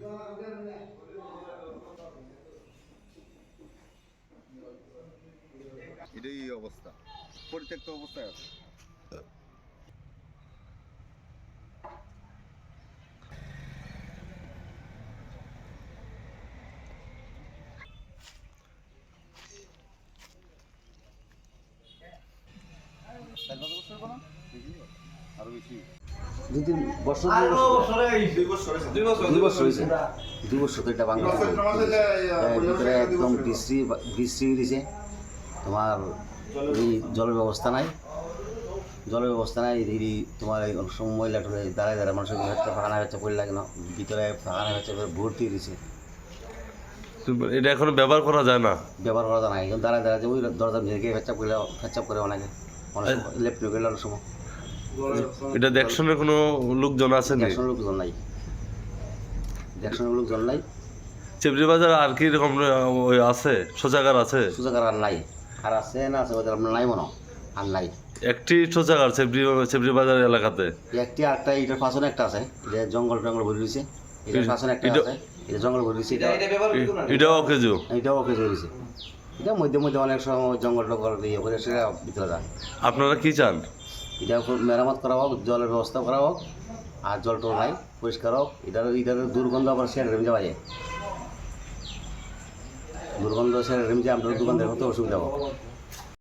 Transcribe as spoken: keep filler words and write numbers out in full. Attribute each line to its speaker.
Speaker 1: এটাই অবস্থা, পরিত্যক্ত অবস্থায় আছে। আরো বেশি
Speaker 2: দুই তিন বছর দুই বছর দুই বছর হয়েছে দুই বছর তো এটা বাংলা ভিতরে একদম বৃষ্টি বৃষ্টি দিছে। তোমার এই জলের ব্যবস্থা নাই, জলের ব্যবস্থা নাই এই তোমার এই অনেক সময় ময়লা টলে দাঁড়ায় দাঁড়ায় মানুষের হচ্ছে ফাঁকানা হচ্ছে পড়ে লাগে না, ভিতরে ফাঁকানা হচ্ছে ভর্তি দিছে।
Speaker 3: এটা এখন ব্যবহার করা যায় না,
Speaker 2: ব্যবহার করা যায় না। এখন দাঁড়ায় দাঁড়ায় ওই দরজা ভেঙে ফেচাপ করে ফেচাপ করে অনেকে অনেক সময় লেফট গেলে অনেক সময়।
Speaker 3: এটা দেখশনের কোনো লোকজন আছে না?
Speaker 2: দেখশনের লোকজন নাই, দেখশনের লোকজন নাই।
Speaker 3: চেবরি বাজার আর কি রকম ওই আছে শৌচাগার আছে?
Speaker 2: শৌচাগার আর নাই, আর আছে না আছে ওদের আপনার নাই মনে আর নাই।
Speaker 3: একটি শৌচাগার চেবরি চেবরি বাজার এলাকাতে
Speaker 2: একটি আরেকটা এটার পাশনে একটা আছে, এটা জঙ্গল টঙ্গল ভরে রয়েছে। এটার পাশনে একটা আছে, এটা জঙ্গল ভরে রয়েছে।
Speaker 3: এটাও অকেজো,
Speaker 2: এটাও ওকে রয়েছে। এটা মধ্যে মধ্যে অনেক সময় জঙ্গল টঙ্গল ইয়ে করে সেটা ভিতরে যায়।
Speaker 3: আপনারা কি চান?
Speaker 2: এটা মেরামত করা হোক, জলের ব্যবস্থা করা হোক, আর জল টল নাই পরিষ্কার হোক। এটার এটার দুর্গন্ধ আবার সেটা রেমে যাওয়া যায়, দুর্গন্ধ সেটা রেমে যায়, আপনার দোকান দেখতে অসুবিধা হোক।